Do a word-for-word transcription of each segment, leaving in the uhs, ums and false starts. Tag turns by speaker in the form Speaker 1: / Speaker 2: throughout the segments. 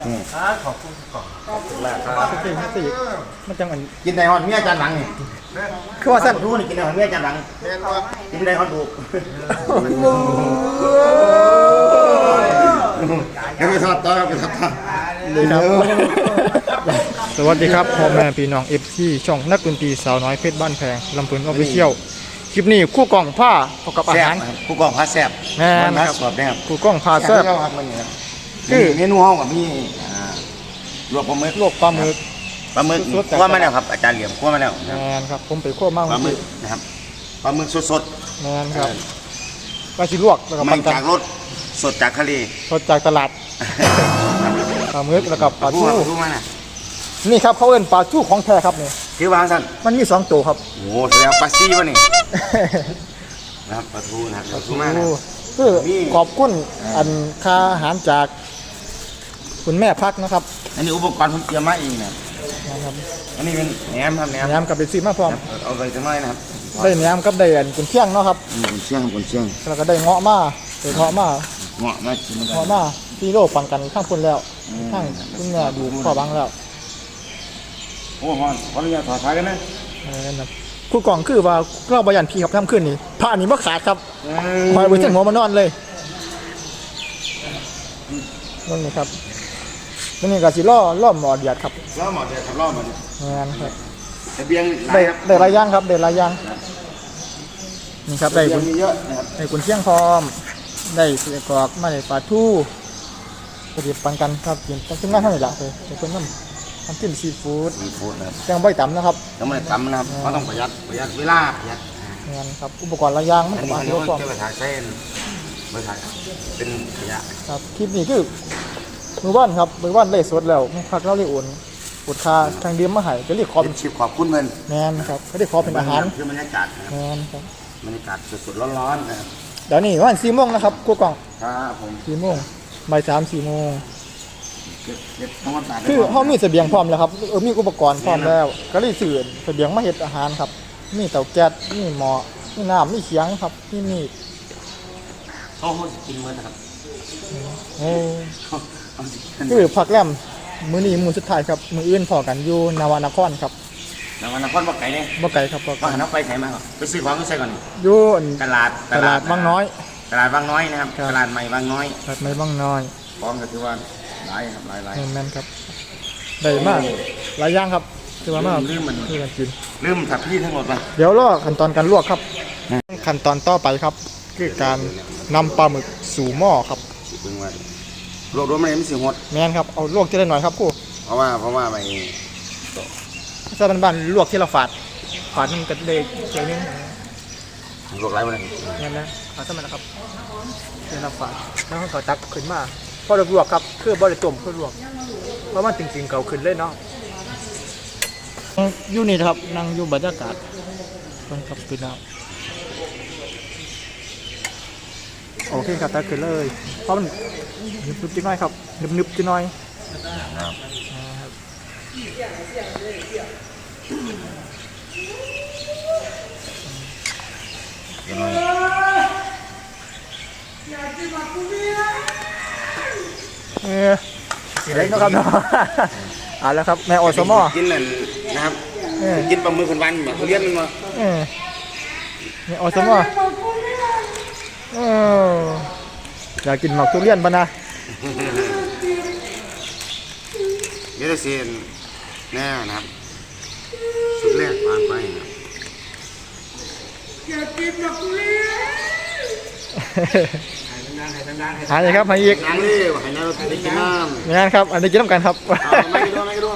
Speaker 1: ขอบคุณก่อนขอบคุณแรกครับ
Speaker 2: สิสิมันจังอัน
Speaker 3: กินในฮอนเมียจานหลังนี่
Speaker 2: คือว่าสั้น
Speaker 3: ดูนี่กินในฮอนเมียจานหลังกินในฮอนดูยังไปทอดต่อไปทอดต่อ
Speaker 2: เลยครับสวัสดีครับพ่อแม่พี่น้องเอฟซีช่องนักดนตรีสาวน้อยเพชรบ้านแพงลำพูนออฟฟิเชียลคลิปนี้คู่กล่องผ้าประกอบอาหาร
Speaker 3: ผู้กองพัดแซ่บ
Speaker 2: แม่น
Speaker 3: พัด
Speaker 2: ครับ
Speaker 3: สอบนะครับ
Speaker 2: คู่กล่องผ้าแซ่บ
Speaker 3: ครับมันนี่ครับคือเมนูห้องกับมีลวกปลาหมึก
Speaker 2: ลวกปลาหมึก
Speaker 3: ปลาหมึกคั่วมาแล้วครับอาจารย์เหลี่ยมคั่วมาแล้ว
Speaker 2: แมนครับผมไปคั่วมาก
Speaker 3: ปลาหมึกนะครับปลาหมึกสด
Speaker 2: แมนครับปลาชิลวกแล้วก็
Speaker 3: ๆ
Speaker 2: ป
Speaker 3: ไม่
Speaker 2: ลา
Speaker 3: จากรถสดจากทะเล
Speaker 2: สดจากตลาดปลาหมึกแล้วก็ปลาทู
Speaker 3: ทูมาน่ะ
Speaker 2: นี่ครับเขาเอิ้นปลาทูของแท้ครับนี่
Speaker 3: คือวางสั้น
Speaker 2: มันมีสองตัวครับ
Speaker 3: โอ้โหแสดงปลาซีวะนี่นะครับปลาทูนะครับปลาทูมานะ
Speaker 2: คือขอบคุณอันค่าอาหารจากคุณแม่พักนะครับ
Speaker 3: อันนี้อุปกรณ์ผมเตรียมมาเองนะ
Speaker 2: นะครับ
Speaker 3: อันนี้เป็นแหนมครับแหนม
Speaker 2: แหนมกับเป็นซีมาพร้อม
Speaker 3: เอาไปจังน้อยนะครับ
Speaker 2: ได้แหนมกับได้อันกุนเชียงเนาะครับ
Speaker 3: อืมกุนเชียงกุนเชียง
Speaker 2: แล้วก็ได้เงาะมาได้เงาะมา
Speaker 3: เงาะมากินกัน
Speaker 2: เงาะมาที่โลปังกันข้างคนแล้วข้างคุณแม่ดูพ่อบังแล้ว
Speaker 3: โอ้ฮอนขออนุญาตถอดสายกันนะ
Speaker 2: เออนั่นคู่กล่องคือว่าเราบยันพี่ครับทำขึ้นนี่ผ้านี่บ่ขาดครับคอยไปเส้นหัวมานอนเลยนั่นนี่ครับนี่ก็สิล่อล่อหมอเดียดครับ
Speaker 3: ล้อหมอเดียวครับล้อหมอ
Speaker 2: งานครับ
Speaker 3: ทะเบียง
Speaker 2: ได้
Speaker 3: ครับ
Speaker 2: ได้หลายอย่างครับได้หลายอย่างนี่ครับได้
Speaker 3: ทะ
Speaker 2: กุ
Speaker 3: เบีย
Speaker 2: น
Speaker 3: งมีเยอะนะครับ
Speaker 2: ได้กุนเชียงพร้อมได้เสียกรอกมาได้ปลาทูปฏิบัติกันครับกินต้องขึ้นงานเท่าไหร่ละเลยจะเป็นน้ำน้ำจิ้มซีฟู้ด
Speaker 3: มีฟูดนะครับ
Speaker 2: แกงใบต่ำนะครับ
Speaker 3: ต้องไม่ตำนะครับเพราะต้องประหยัดประหยัดเวลาประหยัด
Speaker 2: งานครับอุปกรณ์หลายอย่างมัน
Speaker 3: อัน
Speaker 2: ก็
Speaker 3: นี้
Speaker 2: มา
Speaker 3: อัน
Speaker 2: ที่
Speaker 3: นี้
Speaker 2: ว่าพร้อม
Speaker 3: ก็ไปถ่ายเส้นไปถ่ายเป็นขยะ
Speaker 2: ครับคลิปนี้คือมือว่านครับมือว่านเล่สดแล้วพักเราเรียกอุ่นอุดคาทางเดียมมาใหายจะเรียกคอม
Speaker 3: เป็นชิปขอบคุณเพื่อน
Speaker 2: แมนครับเขาเรียกคอเป็นอาหาร
Speaker 3: คือบรรยากาศนะครับ
Speaker 2: แมนครับ
Speaker 3: บรรยากาศสดๆร้อนๆนะครับ
Speaker 2: เดี๋ยวนี้วันสี่โมงนะครับกูกล่อง
Speaker 3: ครับผม
Speaker 2: สี่โมงบ่ายสามสี่โมง
Speaker 3: เก็บเก็บทำความสะอาด
Speaker 2: คือเขามีเสบียงพร้อมแล้วครับเออมีอุปกรณ์พร้อมแล้ว ก็เลยสื่อเสบียงมาเฮ็ดอาหารครับมีเตาแก๊สมีหม้อมีน้ำมีเขียงครับมีมีด
Speaker 3: เขาเขาสิกินเมื่อนะครับ
Speaker 2: เอ้ย
Speaker 3: เขาเขาสิกิน
Speaker 2: คือผักแรมมื้อนี้มื้อสุดท้ายครับมื้ออื่นพอกันอยู่นาวานครครับ
Speaker 3: นวันนครบอกไก่เนี่ย
Speaker 2: บ่ไกลครับบ่ไกล
Speaker 3: ว่าหันเอาไปไก่มาครับไปซื้อของก็ใส่ก่อนนี่
Speaker 2: อยู่อัน
Speaker 3: ตลาด
Speaker 2: ตลาดบางน้อย
Speaker 3: ตลาดบางน้อยนะครับ
Speaker 2: ครับ
Speaker 3: ตลาดใหม่บางน้อย
Speaker 2: ตลาดไม้บางน้อย
Speaker 3: พร้อมก็ถือว่าหลายครับหลายหลาย
Speaker 2: แม่นๆครับได้มากหลายอย่างครับคือว่ามาก
Speaker 3: ลืมมัน
Speaker 2: คือกันกิน
Speaker 3: ลืมถับพี่ทั้งหมดป่ะ
Speaker 2: เดี๋ยวรอขั้นตอนการลวกครับขั้นตอนต่อไปครับ คือการนำปลาหมึกสู่หม้อครับ
Speaker 3: สิเบิ่งว่าโรครวมมันไม่สิหด
Speaker 2: แม่นครับเอาลวกทีละหน่อยครับกู
Speaker 3: เพราะว่าเพราะว่าไป
Speaker 2: ถ้าบ้านๆลวกทีละฝาดฝาดนึงก็ได้เดี๋ยวนึง
Speaker 3: โรคไรมาเลย
Speaker 2: งั้นนะเอาซะมันนะครับทีละฝาดแล้วก็ตักขึ้นมาพอเราลวกครับคือบ่ได้ต้มเพื่อลวกเพราะมันจริงๆเก่าขึ้นเลยเนาะอยู่นี่ครับนั่งอยู่บรรยากาศต้นกับปีน้ำโอเคครับตักขึ้นเลยเพราะมันนึบๆจิ๋น้อยครับนึบๆจิ๋น้อย
Speaker 3: ยังไง
Speaker 2: เออเล็กนะครับเนาะเอาแล้วครับแม่อสมอ
Speaker 3: กินนั่นนะครับ
Speaker 2: เออ
Speaker 3: กินปลาหมึกคนวันแบบเขาเลี้ยงมันมา
Speaker 2: เออแม่อสมอเอออยากกินหมากทุเรียนปะนะ
Speaker 3: เดี๋ยวจะเซียนแน่นะครับสุดแรกผ่านไปนะ
Speaker 2: หาเลยครับมาอีก
Speaker 3: นั่งเลยให้น้าเราไปกินน้ำ
Speaker 2: งานครับอันนี้กินน้ำกันครับ
Speaker 3: เอาไม่กระโดนไม่กระโดน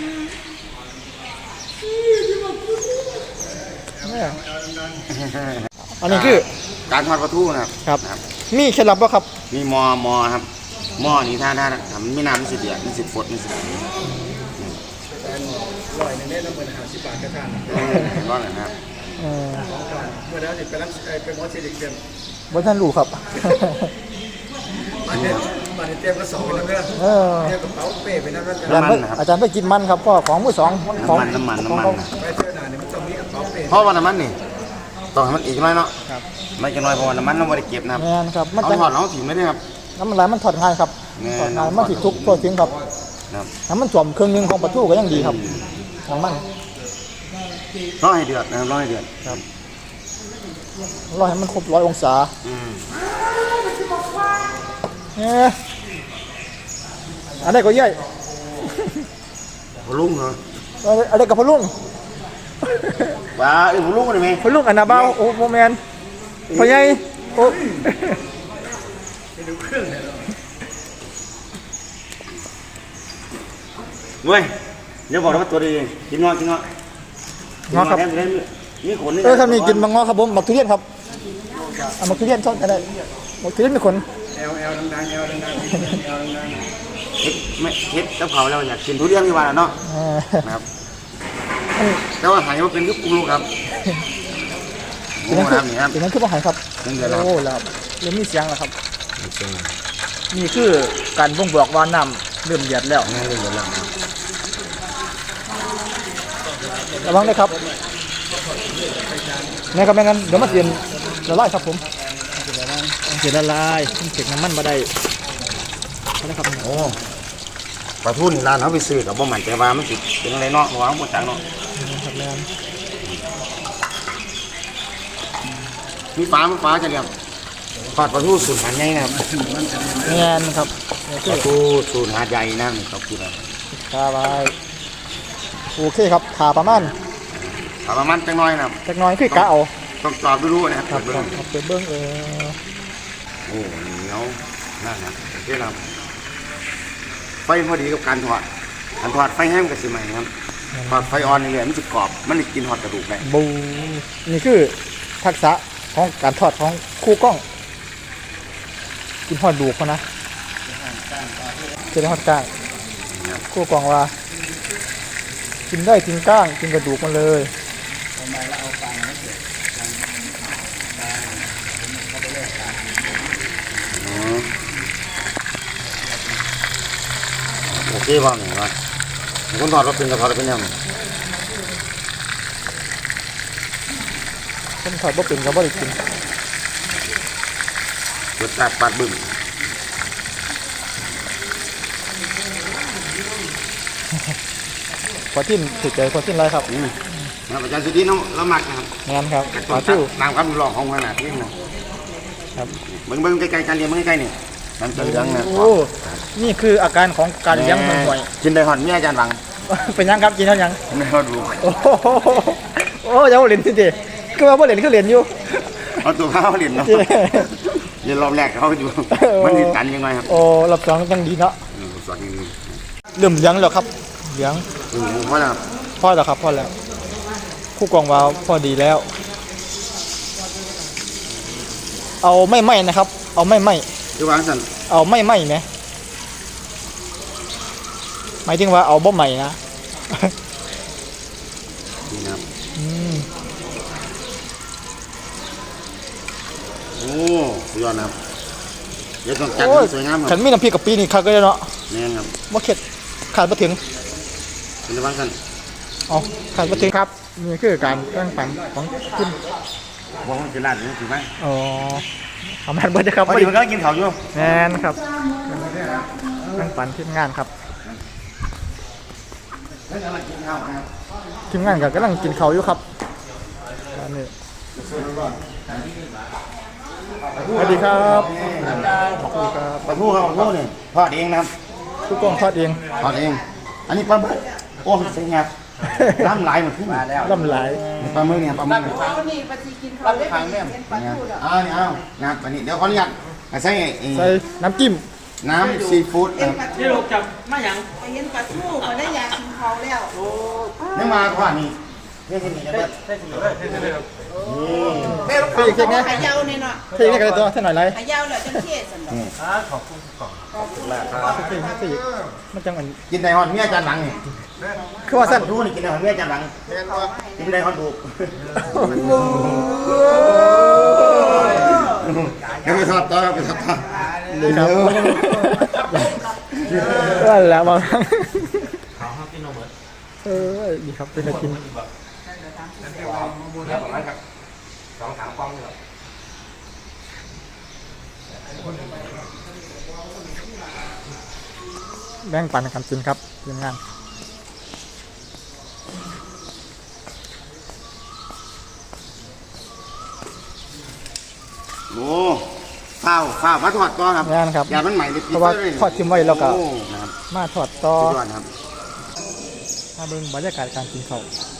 Speaker 2: เนี่ยอันนี้คือ
Speaker 3: การทอดปลาทูนะครับ
Speaker 2: ครับ
Speaker 3: นะครับ
Speaker 2: มีเคล็ดลับป่ะครับ
Speaker 3: มีหมอหมอครับหม้อนี่ถ้าถ้าทำไม่น้ำมันสิเดือดมันสิฟดมันสิ
Speaker 1: ลอยในนี้น้ำมันหาสิบบาทกระทาน
Speaker 3: ร้อนนะครับ
Speaker 2: เออ
Speaker 1: เมื่อแล้วจะไปรับไปมอสเซดิกเต็ม
Speaker 2: บ่ท่านรู้ครับ
Speaker 1: มันเนี่ยมันเต็มกระสอบไปแล้วเนี่ย
Speaker 2: เออ
Speaker 1: เนี่ยกระเป๋าเป้ไปนั่นนั่น
Speaker 2: อาจารย์ไปอาจารย์ไปกินมันครับก็ของมือสองของ
Speaker 3: น้ำมันน้ำมัน
Speaker 2: ของ
Speaker 3: น้ำมัน
Speaker 1: ไปเที่ยวหนาเนี่ยมันต้องมีกระเป๋าเป้
Speaker 3: เพราะว่าน้ำมันนี่ต้องให้มันอีกน้อยเนาะ
Speaker 2: ครับ
Speaker 3: ไม่จะน้อยเพราะว่าน้ำมันเราไม่ได้เก็บนะครับ
Speaker 2: งานครับมัน
Speaker 3: เอา
Speaker 2: จะ
Speaker 3: ถอดเอาถิ่มไม่ได้ครับ
Speaker 2: น้ำมันไหลมันถอดง่ายครับ
Speaker 3: แน่
Speaker 2: ถอดง่ายมันติดทุกตัวทิ้งครับ
Speaker 3: ถครับ
Speaker 2: น้ำมันจมเครื่องนึงของปลาทูก็ยังดีครับน้ำมัน
Speaker 3: รอให้เดือดนะครับรอให้เดือด
Speaker 2: ครับรอให้มันครบร้อยองศา
Speaker 3: อืม
Speaker 2: เนี่ยอันนี้ก็เย่ย
Speaker 3: พลุงเหรอ
Speaker 2: อันนี้กับพะลุง
Speaker 3: ว้าไอ้พลุงอะไรไหม
Speaker 2: พะลุงอันนาเบาโอ้โมแมนพะยัยโอ้
Speaker 3: เว้ยเดี๋ยวบอกนะว่าตัวดีกินงอกินงอ
Speaker 2: งอครับ
Speaker 3: นี่ขนนี่
Speaker 2: เออครับนี่กินมังงอครับผมหมักทุเรียนครับเอาหมักทุเรียนชอบกันได้หมักทุเรียนมีขน
Speaker 1: แอลแอลดังๆแอลดังๆแอลดัง
Speaker 3: เฮ็ดไม่เฮ็ดกับเขาแล้วอยากกินทุเรียนที่ว่าเนาะ
Speaker 2: อ่า
Speaker 3: นะครับแต่ว่าหายว่าเป็นยุคกูรู้ครับ
Speaker 2: เป็
Speaker 3: โอ้
Speaker 2: นนั่น
Speaker 3: โห
Speaker 2: คือ
Speaker 3: น้ำนี่ครับ
Speaker 2: เป็นนั่นคือบ่หายครับ
Speaker 3: เป็นเดือดแล้ว
Speaker 2: โอ้แล้วเริ่มมีเสียงแล้วครับนี่คือการบ่งบอกว่าน้ำเริ่มเดือดแล้ว
Speaker 3: นี่เดือดแล้วครับ
Speaker 2: ระวังเลยครับนี่ครับแม่งั้นเดี๋ยวมาเสียนละลายครับผมเสียนละลายมันเก็บน้ำมันมาได้นะครับ
Speaker 3: โอ้ปลาทูนี่ร้านเขาไปซื้อกับบ่มันแต่ว่ามันสิเป็นอะไรเนาะวางบนจังเนาะ
Speaker 2: ครับแม่น
Speaker 3: มีฟ้ามีฟ้าจะเรียกทอดปลาทูสูตรหาดใหญ่นะครับ
Speaker 2: แม่นครับนี่
Speaker 3: ป
Speaker 2: คือ
Speaker 3: ลาทูสูตรหาดใหญ่นะครับคืออะไร
Speaker 2: คาไว้โอเคครับขาประมาณ
Speaker 3: เอาประมาณจังน้อยนะครับ
Speaker 2: จักหน้อยคือกะเอา
Speaker 3: ต้องกรอบดูๆนะครับ
Speaker 2: ครับ
Speaker 3: เบิ่
Speaker 2: ครั
Speaker 3: ง
Speaker 2: บเอาไปเบิ้งเออ
Speaker 3: โอ้เหนียวนั่นนะโอเคครับไฟพอดีกับการทอดการทอดไฟแห้งกับสิใหม่ครับทอดไฟอ่อนนี่เลยมันจะกรอบมันจะกินทอดกระดูกได้
Speaker 2: บูนี่คือทักษะของการทอดของคู่กล้อง กินทอดดูกเขานะจะได้ทอดก้างคู่กล้องว่า กินได้กินก้างกินกระดูกมันเลย
Speaker 3: อ๋อโอเคบ้างเหรอคนทอดเราเป็นกระทอดเราเป็นยังไง
Speaker 2: คนทอดบ่เป็นก็บ่ได้กิน
Speaker 3: รสชาติปาดบึ้ม
Speaker 2: พอทิ้นถือใจพอทิ้นไรครับ
Speaker 3: อืมนะอาจารย์สุดีน้องเราหมักนะครับ
Speaker 2: งานครับ
Speaker 3: แต่
Speaker 2: ป
Speaker 3: ต้
Speaker 2: ลาน ทู่
Speaker 3: น้ำครับหลอกของขนาดนี้นะครับ เบิ้งเบิ้งใกล้ๆกันเรียนเบิ้งใกล้ๆนี่น้ำจะเหลืองนะ
Speaker 2: โอ้นี่คืออาการของการเลี้ยงมันห่วย
Speaker 3: กินได้หอนมีอาจารย์หวัง
Speaker 2: เป็นยังครับกินเท่ายัง
Speaker 3: กินได้หอนดู
Speaker 2: โอ้โหโอ้ยยังบ่เล่นสิเด้คือว่าบ่เล่นคือเล่นอยู่
Speaker 3: เอาตัวข้าวเหรียญเนาะ
Speaker 2: เจ้
Speaker 3: เดี๋ยวรอบแรกเขาอยู่มันติดตันยังไงครับ
Speaker 2: โอ้รอบสองต้องดีเนาะ
Speaker 3: อืมสอนอย่างนี้
Speaker 2: เริ่มเลี้ยงแล้วครับเลี้ยง
Speaker 3: อืมเพราะอะไรครับ
Speaker 2: พอแล้วครับพอแล้วคู่กองวาวพอดีแล้ว เอาไม่ไหมนะครับ เอาไม่ไหม
Speaker 3: คือวางสัน
Speaker 2: เอาไม่ไหมไหมหมายถึงว่าเอาบ่ใหม่นะ
Speaker 3: นี่นะครับ
Speaker 2: อืม
Speaker 3: โอ้สุดยอดนะครับเดี๋ยวต้องจัด
Speaker 2: โอ้ย
Speaker 3: ให้สวยงามค
Speaker 2: ฉั
Speaker 3: รับ
Speaker 2: นมีน้ำพริกกับปีนี่คักเลยเนาะ
Speaker 3: แน่นครับ
Speaker 2: บ่เข็ดขาดบ่ถึง
Speaker 3: เป็นวางสัน
Speaker 2: เอาขาดบ่ถึงครับนี่คือการตั้งฝันของคุณ
Speaker 3: วางเป็นร้านนี่ถูกไหม
Speaker 2: อ๋อทำงานเบิดนะครับ
Speaker 3: พอดีมันก็กินข้าวอยู่
Speaker 2: แมนครับตั้งฝันทีมงานครับ
Speaker 3: แล้วกำลังกินข้าวนะครับ
Speaker 2: ทีมงานก็กำลังกินข้าวอยู่ครับอันนี้สวัสดีครับสวัสดีครับ
Speaker 3: ปลาทูครับปลาทูนี่ทอดเองนะครับ
Speaker 2: ทุกกล้องทอดเอง
Speaker 3: ทอดเอง อันนี้ปลาหมึกโอ้เสียงครับน้ำไหลหมดขึ้นมาแล้ว
Speaker 2: ล่ำหลาย
Speaker 3: ปลาหมึกเนี่ยปลาหมึกเนี่ย
Speaker 4: เอานี่ปฏิกินเขาได้เห็นปลาทูดอก
Speaker 3: เอาเนี่ยเอานะครับอันนี้เดี๋ยวขออนุญาตใส่ไอ้
Speaker 2: ใส่น้ำจิ้ม
Speaker 3: น้ำซีฟู้ด
Speaker 4: เห็
Speaker 3: นะ
Speaker 4: น
Speaker 3: ครับ
Speaker 4: ปลาทู
Speaker 1: นี่ลูกจับมาหยัง
Speaker 4: ไปเห็นปลาทูเขาได้อยากกินเขาแล้ว
Speaker 3: เนื้อมาทอดนี่เท่ๆนี่นะครับ
Speaker 2: เพี่เค้กไง
Speaker 4: ขายาวเนี่ยเนาะ
Speaker 2: เค้กไงกันเลยตัวเท่าหน่อยไร
Speaker 4: ขายาวแล้วจังเทศสันดอก
Speaker 2: เค้กเค้กมันจังอัน
Speaker 3: กินได้ฮอดเมียอาจารย์หลังนี่
Speaker 2: คือว่าสั้น
Speaker 3: ดูนี่กินได้ฮอดเมียอาจารย์หลังกินได้ฮอดดูเดี๋ยวไปทอดต่อไปทอดต่อ
Speaker 2: เลยครับว่าแล้วบางเออดีครับเป็นกินแบ่งปันกันกินครับทีมงาน
Speaker 3: โอ้ข้าวข้าวมาทอดต่อครับ
Speaker 2: งานครับ
Speaker 3: ยามันใหม่เลย
Speaker 2: เพราะว่าทอดทิ้งไว้แล้วก็
Speaker 3: โอ้นะครับ
Speaker 2: มาทอดต่อ
Speaker 3: สุดยอดครับ
Speaker 2: มาเบิ่งบรรยากาศการกินข้าว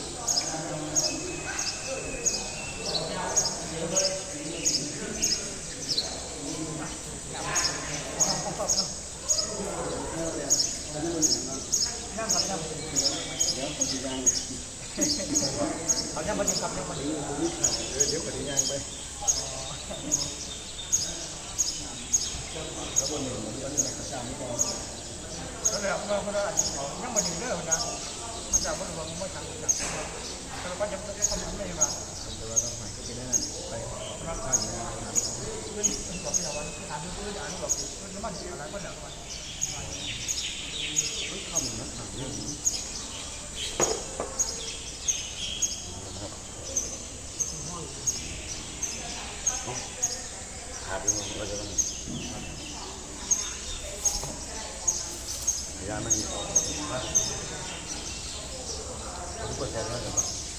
Speaker 3: ขาดไปหมดเราจะต้องยาไม่มีทุกคนแทนได้ไหม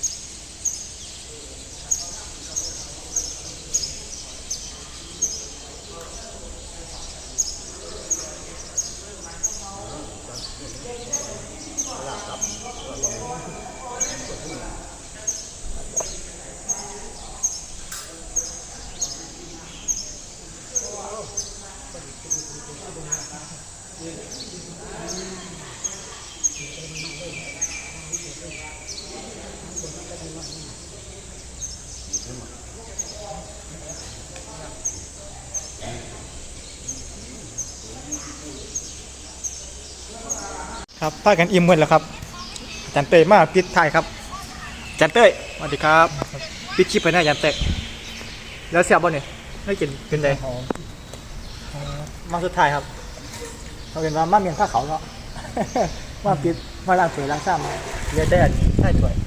Speaker 2: ครับพากันอิ่มหมดแล้วครับอาจารย์เต้ยมาปิดท้ายครับอาจารย์เต้ยสวัสดีครับปิดคลิปไปได้อาจารย์เต้ยแล้วเสียบบ่เนี่ยไม่กินเป็นไงมาสุดท้ายครับเราเป็นว่ามาเมียนผ้าเขาเนาะ มาปิดมาล้างถ้วยล้างซ้ำเรียกได้ใช่ถ้วย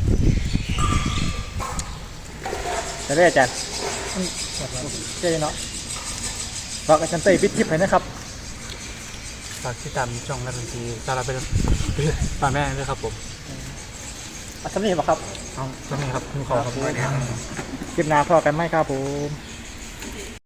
Speaker 2: จะได้อาจารย์เจ๊เนาะฝากอาจารย์เต้ยปิดคลิปไปนะครับ
Speaker 5: ฝากติดตามช่องนักดนตรีสารเป็นป่าแม่ด้วยครับผม
Speaker 2: อัศนีบอกครับ
Speaker 5: เอาตรงนี้ครับคุณขอครับ
Speaker 2: คลิปหน้าพอกันไหมครับผม